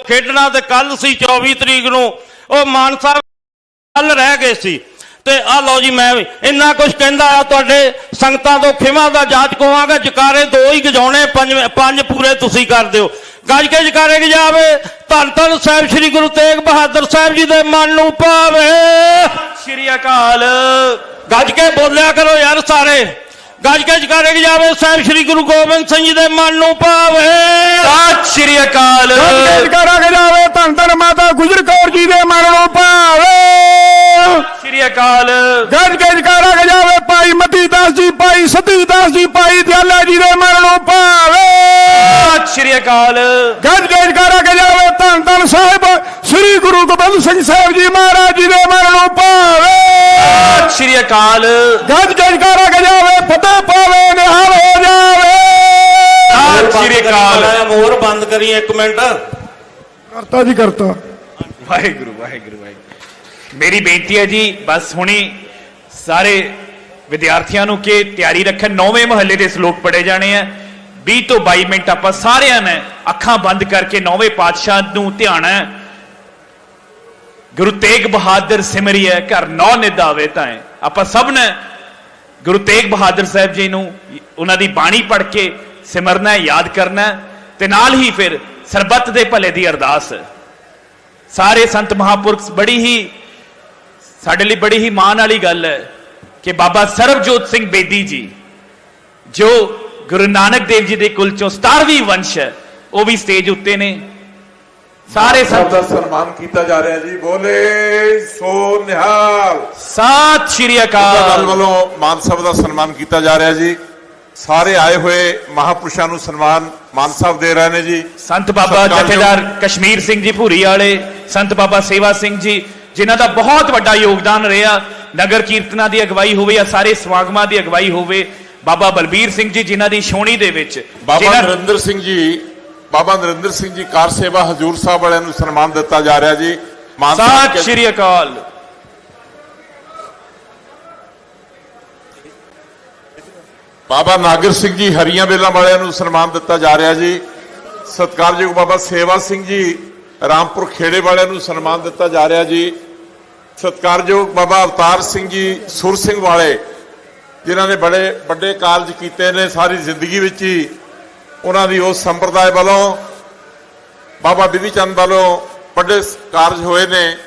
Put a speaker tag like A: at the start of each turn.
A: ਖੇਡਣਾ ਤੇ ਕੱਲ ਸੀ 24 ਤਰੀਕ ਨੂੰ ਉਹ ਮਾਨ ਸਾਹਿਬ ਕੱਲ ਰਹਿ ਗਏ ਸੀ ਤੇ ਆ ਲਓ ਜੀ ਮੈਂ ਵੀ ਇੰਨਾ ਕੁਝ ਕਹਿੰਦਾ ਆ ਤੁਹਾਡੇ ਸੰਗਤਾਂ ਤੋਂ ਖਿਮਾ ਦਾ ਜਾਚ ਕਵਾਂਗਾ। ਜਕਾਰੇ ਦੋ ਹੀ ਗਜਾਉਣੇ ਪੰਜ ਪੂਰੇ ਤੁਸੀਂ ਕਰ ਦਿਓ। ਗੱਜ ਕੇ ਜਕਾਰੇ ਗਜਾਵੇ ਧੰਨ ਧੰਨ ਸਾਹਿਬ ਸ੍ਰੀ ਗੁਰੂ ਤੇਗ ਬਹਾਦਰ ਸਾਹਿਬ ਜੀ ਦੇ ਮਨ ਨੂੰ ਭਾਵੇ।
B: ਸ੍ਰੀ ਅਕਾਲ।
A: ਗੱਜ ਕੇ ਬੋਲਿਆ ਕਰੋ ਯਾਰ ਸਾਰੇ। ਗੱਜ ਕੇ ਜਕਾਰੇ ਗਜਾਵੇ ਸਾਹਿਬ ਸ੍ਰੀ ਗੁਰੂ ਗੋਬਿੰਦ ਸਿੰਘ ਜੀ ਦੇ ਮਨ ਨੂੰ ਭਾਵੇ।
B: ਸਤਿ ਸ੍ਰੀ ਅਕਾਲ।
C: ਗੱਜ ਕੇ ਜਕਾਰਾ ਗਜਾਵੇ ਧੰਨ ਧੰਨ ਮਾਤਾ ਗੁਜਰ ਕੌਰ ਜੀ ਦੇ ਮਨ ਨੂੰ ਭਾਵੇ।
B: ਸ੍ਰੀ ਅਕਾਲ।
C: ਗੱਜ ਕੇ ਜਕਾਰਾ ਗਜਾਵੇ ਭਾਈ ਮਤੀ ਦਾਸ ਜੀ ਭਾਈ ਸਤੀ ਦਾਸ ਜੀ ਭਾਈ ਦਿਆਲਾ ਜੀ ਦੇ ਮਨ ਨੂੰ ਭਾਵੇ।
B: ਸਤਿ ਸ੍ਰੀ ਅਕਾਲ।
C: ਗੱਜ ਕੇ ਜਕਾਰਾ ਗਜਾਵੇ ਧੰਨ ਧੰਨ ਸਾਹਿਬ ਸ੍ਰੀ ਗੁਰੂ ਗੋਬਿੰਦ ਸਿੰਘ ਸਾਹਿਬ ਜੀ ਮਹਾਰਾਜ ਜੀ ਦੇ ਮਨ ਨੂੰ ਭਾਵੇ।
B: ਸਤਿ ਸ੍ਰੀ ਅਕਾਲ।
C: ਗੱਜ ਕੇ ਜਕਾਰਾ ਗਜਾਵੇ ਫਤਿਹ ਪਾਵੇ ਨਿਹਾਲ ਹੋ ਜਾਵੇ।
B: ਸਤਿ ਸ੍ਰੀ ਅਕਾਲ।
A: ਮੋਹਰ ਬੰਦ ਕਰੀ ਇੱਕ ਮਿੰਟ।
C: ਕਰਤਾ ਜੀ ਕਰਤਾ।
B: ਵਾਹਿਗੁਰੂ ਵਾਹਿਗੁਰੂ ਵਾਹਿਗੁਰੂ। ਮੇਰੀ ਬੇਨਤੀ ਹੈ ਜੀ ਬਸ ਹੁਣੀ ਸਾਰੇ ਵਿਦਿਆਰਥੀਆਂ ਨੂੰ ਕਿ ਤਿਆਰੀ ਰੱਖਣ। 9ਵੇਂ ਮਹੱਲੇ ਦੇ ਸ਼ਲੋਕ ਪੜ੍ਹੇ ਜਾਣੇ ਆ। 20 ਤੋਂ 22 ਮਿੰਟ ਆਪਾਂ ਸਾਰਿਆਂ ਨੇ ਅੱਖਾਂ ਬੰਦ ਕਰਕੇ 9ਵੇਂ ਪਾਤਸ਼ਾਹ ਨੂੰ ਧਿਆਣਾ ਹੈ। ਗੁਰੂ ਤੇਗ ਬਹਾਦਰ ਸਿਮਰਿਐ ਘਰ ਨੌ ਨਿਧ ਆਵੇ ਤਾਏ। ਆਪਾਂ ਸਭ ਨੇ ਗੁਰੂ ਤੇਗ ਬਹਾਦਰ ਸਾਹਿਬ ਜੀ ਨੂੰ ਉਹਨਾਂ ਦੀ ਬਾਣੀ ਪੜ੍ਹ ਕੇ ਸਿਮਰਨਾ ਹੈ, ਯਾਦ ਕਰਨਾ ਹੈ ਤੇ ਨਾਲ ਹੀ ਫਿਰ ਸਰਬੱਤ ਦੇ ਭਲੇ ਦੀ ਅਰਦਾਸ। ਸਾਰੇ ਸੰਤ ਮਹਾਂਪੁਰਖ ਬੜੀ ਹੀ ਸਾਡੇ ਲਈ ਬੜੀ ਹੀ ਮਾਣ ਵਾਲੀ ਗੱਲ ਹੈ ਕਿ ਬਾਬਾ ਸਰਬਜੋਤ ਸਿੰਘ ਬੇਦੀ ਜੀ ਜੋ ਗੁਰੂ ਨਾਨਕ ਦੇਵ ਜੀ ਦੇ ਕੁਲ ਚੋਂ 17ਵੀਂ ਵੰਸ਼ ਹੈ ਉਹ ਵੀ ਸਟੇਜ ਉੱਤੇ ਨੇ। ਸਾਰੇ ਸੰਤ
D: ਦਾ ਸਨਮਾਨ ਕੀਤਾ ਜਾ ਰਿਹਾ ਜੀ। ਬੋਲੇ ਸੋ ਨਿਹਾਲ।
B: ਸਤਿ ਸ਼੍ਰੀ ਅਕਾਲ।
D: ਵੱਲੋਂ ਮਾਨ ਸਾਹਿਬ ਦਾ ਸਨਮਾਨ ਕੀਤਾ ਜਾ ਰਿਹਾ ਜੀ। ਸਾਰੇ ਆਏ ਹੋਏ ਮਹਾਪੁਰਸ਼ਾਂ ਨੂੰ ਸਨਮਾਨ ਮਾਨ ਸਾਹਿਬ ਦੇ ਰਹੇ ਨੇ ਜੀ।
B: ਸੰਤ ਬਾਬਾ ਜਥੇਦਾਰ ਕਸ਼ਮੀਰ ਸਿੰਘ ਜੀ ਭੂਰੀ ਵਾਲੇ, ਸੰਤ ਬਾਬਾ ਸੇਵਾ ਸਿੰਘ ਜੀ ਜਿਨ੍ਹਾਂ ਦਾ ਬਹੁਤ ਵੱਡਾ ਯੋਗਦਾਨ ਰਿਹਾ। ਨਗਰ ਕੀਰਤਨਾਂ ਦੀ ਅਗਵਾਈ ਹੋਵੇ ਜਾਂ ਸਾਰੇ ਸਮਾਗਮਾਂ ਦੀ ਅਗਵਾਈ ਹੋਵੇ। ਬਾਬਾ ਬਲਬੀਰ ਸਿੰਘ ਜੀ ਜਿਨ੍ਹਾਂ ਦੀ ਛੋਣੀ ਦੇ ਵਿੱਚ
D: ਬਾਬਾ ਨਰਿੰਦਰ ਸਿੰਘ ਜੀ ਕਾਰ ਸੇਵਾ ਹਜੂਰ ਸਾਹਿਬ ਵਾਲਿਆਂ ਨੂੰ ਸਨਮਾਨ ਦਿੱਤਾ ਜਾ ਰਿਹਾ ਜੀ।
B: ਸਤਿ ਸ਼੍ਰੀ ਅਕਾਲ।
D: ਬਾਬਾ ਨਾਗਰ ਸਿੰਘ ਜੀ ਹਰੀਆਂ ਬੇਲਾਂ ਵਾਲਿਆਂ ਨੂੰ ਸਨਮਾਨ ਦਿੱਤਾ ਜਾ ਰਿਹਾ ਜੀ। ਸਤਿਕਾਰਯੋਗ ਬਾਬਾ ਸੇਵਾ ਸਿੰਘ ਜੀ ਰਾਮਪੁਰ ਖੇੜੇ ਵਾਲਿਆਂ ਨੂੰ ਸਨਮਾਨ ਦਿੱਤਾ ਜਾ ਰਿਹਾ ਜੀ। ਸਤਿਕਾਰਯੋਗ ਬਾਬਾ ਅਵਤਾਰ ਸਿੰਘ ਜੀ ਸੁਰ ਸਿੰਘ ਵਾਲੇ ਜਿਨ੍ਹਾਂ ਨੇ ਬੜੇ ਵੱਡੇ ਕਾਰਜ ਕੀਤੇ ਨੇ ਸਾਰੀ ਜ਼ਿੰਦਗੀ ਵਿੱਚ ਹੀ। ਉਹਨਾਂ ਦੀ ਉਸ ਸੰਪਰਦਾਇ ਵੱਲੋਂ ਬਾਬਾ ਬਿਧੀ ਚੰਦ ਵੱਲੋਂ ਵੱਡੇ ਕਾਰਜ ਹੋਏ ਨੇ।